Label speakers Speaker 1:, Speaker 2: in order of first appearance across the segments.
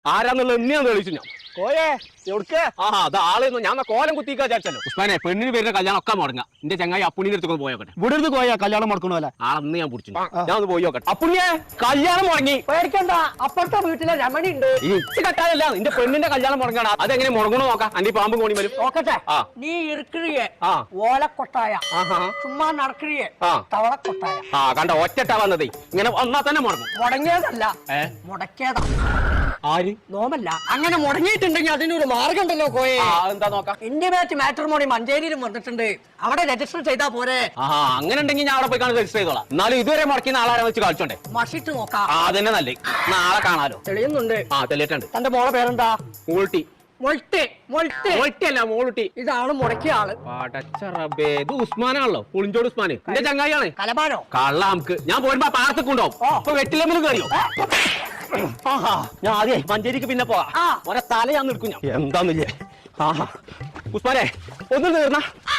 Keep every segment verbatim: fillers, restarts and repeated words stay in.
Speaker 1: ആരാന്നുള്ളത് എന്നെയാണ് തെളിച്ചു ഞാൻ.
Speaker 2: കോയേ എവിടുക്ക്?
Speaker 1: ആ അത് ആളെന്ന് ഞാൻ കോലം കുത്തിക്കാ വിചാരിച്ചല്ലോ. ഉസ്മാനെ പെണ്ണിന് പേരുടെ കല്യാണം ഒക്കെ മുടങ്ങാ. എന്റെ ചങ്ങായി അപ്പുണ്ണിന്റെ അടുത്ത് പോയോട്ടെ.
Speaker 2: ഇവിടെ അടുത്ത് കോയാ കല്യാണം മുടക്കണോലെ.
Speaker 1: ആളന്ന് ഞാൻ പിടിച്ചു. ഞാൻ ഒന്ന് പോയി നോക്കട്ടെ. അപ്പുണ്ണിയെ കല്യാണം മുടങ്ങി.
Speaker 3: പേടിക്കണ്ട, അപ്പുറത്തെ വീട്ടിലെ രമണി ഉണ്ട്.
Speaker 1: ഇച്ച് കട്ടായല്ല നിന്റെ പെണ്ണിന്റെ കല്യാണം മുടങ്ങാണ്. അതെങ്ങനെ മുടങ്ങണോ നോക്കാം. അന്റെ പാമ്പും കോണി വരും
Speaker 3: നോക്കട്ടെ.
Speaker 1: ആ
Speaker 3: നീ ഇറുക്കിറിയെ
Speaker 1: ആ
Speaker 3: ഓലക്കൊട്ടായ
Speaker 1: ആഹാ
Speaker 3: ചുമ്മാ നടക്കിറിയെ
Speaker 1: ആ
Speaker 3: തവളക്കൊട്ടായ.
Speaker 1: ആ കണ്ട ഒറ്റട്ടാ വന്നതേ. ഇങ്ങനെ വന്നാ തന്നെ മുടങ്ങും.
Speaker 3: മുടങ്ങിയതല്ല
Speaker 1: ഏ
Speaker 3: മുടക്കിയതാ.
Speaker 1: ആര്
Speaker 3: നോമല്ല. അങ്ങനെ മുടങ്ങിയിട്ടുണ്ടെങ്കിൽ അതിനൊരു മാർഗം ഉണ്ടല്ലോ കോയെ.
Speaker 1: എന്താ നോക്കാം.
Speaker 3: ഇന്റിമേറ്റ് മാട്രിമോണി മഞ്ചേരിയിലും വന്നിട്ടുണ്ട്. അവിടെ രജിസ്റ്റർ ചെയ്താ പോരെ.
Speaker 1: ആ അങ്ങനെ ഉണ്ടെങ്കിൽ ഞാൻ അവിടെ പോയി കാണാൻ രജിസ്റ്റർ ചെയ്തോളാം. എന്നാലും ഇതുവരെ മുടക്കുന്ന ആളാരെ വെച്ച് കളിച്ചോണ്ടേ.
Speaker 3: മഷിട്ട് നോക്കാം.
Speaker 1: ആ അതന്നെ നല്ലേ. നാളെ കാണാലോ.
Speaker 3: തെളിയുന്നുണ്ട്.
Speaker 1: ആ തെളിയിട്ടുണ്ട്.
Speaker 3: തന്റെ മോളെ പേരെന്താ?
Speaker 1: മൂൾട്ടി.
Speaker 3: മൊൾട്ടെ മൊൾട്ടെ
Speaker 1: ഒറ്റല്ല മോളുട്ടി.
Speaker 3: ഇതാണ് മുടക്കിയ ആള്.
Speaker 1: പടച്ച റബ്ബേ, ഇത് ഉസ്മാനാണല്ലോ. പുളിഞ്ചോട് ഉസ്മാന് എന്റെ ചങ്ങായിയാണ്.
Speaker 3: കലബാനോ?
Speaker 1: കള്ള നമുക്ക് ഞാൻ പോരുമ്പോ പാർത്തുണ്ടാവും. അപ്പൊ വെട്ടിലെമ്പിൽ കയറിയോ? ആഹാ ഞാൻ ആദ്യേ മഞ്ചേരിക്ക് പിന്നെ പോവാ. ഒരെ തല ഞാൻ നിൽക്കും ഞാൻ. എന്താന്നില്ലേ. ആഹാ ഉസ്മാനെ ഒന്ന് തീർന്ന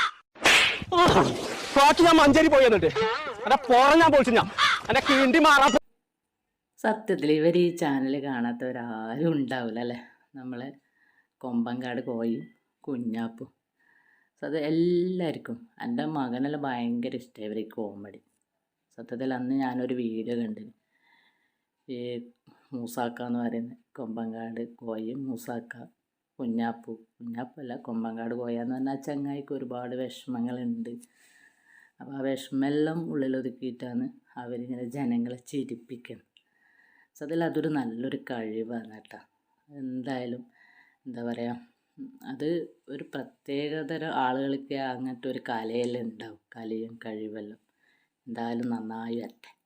Speaker 1: പാട്ട് ഞാൻ മഞ്ചേരി പോയി എന്നിട്ട് എന്റെ പോറ ഞാൻ പൊളിച്ചു. ഞാൻ എന്റെ കിണ്ടി മാറാ.
Speaker 4: സത്യത്തിൽ ഇവർ ഈ ചാനൽ കാണാത്തവരാരും ഉണ്ടാവില്ല അല്ലേ. നമ്മളെ കൊമ്പങ്കാട് കോയും കുഞ്ഞാപ്പും അത് എല്ലാവർക്കും എൻ്റെ മകനെല്ലാം ഭയങ്കര ഇഷ്ടമായി ഇവർ ഈ കോമഡി. സത്യത്തിൽ അന്ന് ഞാനൊരു വീഡിയോ കണ്ടിന്. ഈ മൂസാക്ക എന്ന് പറയുന്ന കൊമ്പങ്കാട് കോയും മൂസാക്ക കുഞ്ഞാപ്പു കുഞ്ഞാപ്പല്ല കൊമ്പങ്കാട് കോയ എന്ന് പറഞ്ഞാൽ ചങ്ങായിക്ക് ഒരുപാട് വിഷമങ്ങളുണ്ട്. അപ്പോൾ ആ വിഷമെല്ലാം ഉള്ളിലൊതുക്കിയിട്ടാണ് അവരിങ്ങനെ ജനങ്ങളെ ചിരിപ്പിക്കുന്നത്. സത്യത്തിൽ അതൊരു നല്ലൊരു കഴിവാണ് കേട്ടോ. എന്തായാലും എന്താ പറയുക, അത് ഒരു പ്രത്യേകതരം ആളുകൾക്ക് അങ്ങനത്തെ ഒരു കലയെല്ലാം ഉണ്ടാവും. കലയും കഴിവെല്ലാം എന്തായാലും നന്നായി വരട്ടെ.